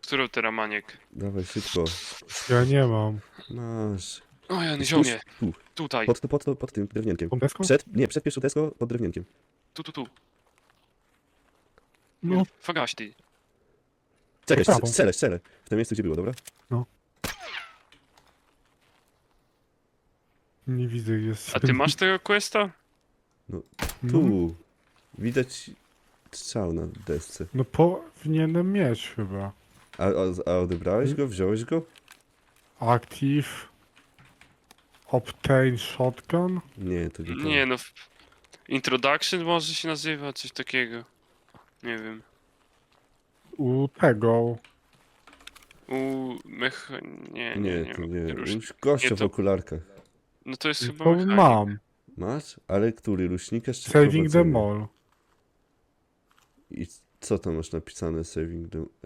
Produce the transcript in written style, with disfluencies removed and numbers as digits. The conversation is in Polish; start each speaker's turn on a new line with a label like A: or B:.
A: Którą teraz maniek?
B: Dawaj szybko.
C: Ja nie mam.
B: Masz.
A: O, ja
B: Spójrz,
A: ziomie.
B: tu.
A: Tutaj.
B: Pod tym drewnienkiem.
C: Tą deską?
B: Przed pierwszą deską, pod drewnienkiem.
A: Tu.
C: No,
A: Fagaś ty.
B: Czekaj,
C: prawą.
B: strzelę. W tym miejscu, gdzie było, dobra?
C: nie widzę, jest.
A: A ty masz tego questa?
C: No,
B: Tu. Widać strzał na desce.
C: no powinienem mieć chyba.
B: A odebrałeś go? Wziąłeś go?
C: Active. Obtain shotgun.
B: Nie, to nie to.
A: Nie no. Introduction może się nazywa, coś takiego. Nie wiem.
C: U tego.
B: Nie, to nie.
A: rusznik.
B: Gościa
A: Nie,
B: w
A: to-
B: okularkach.
A: No to jest chyba
C: To
A: mechanik.
C: mam.
B: Masz? Ale który? Luśnikarz czy
C: Saving the
B: prowadzenie?
C: mall.
B: I co tam masz napisane? Saving the...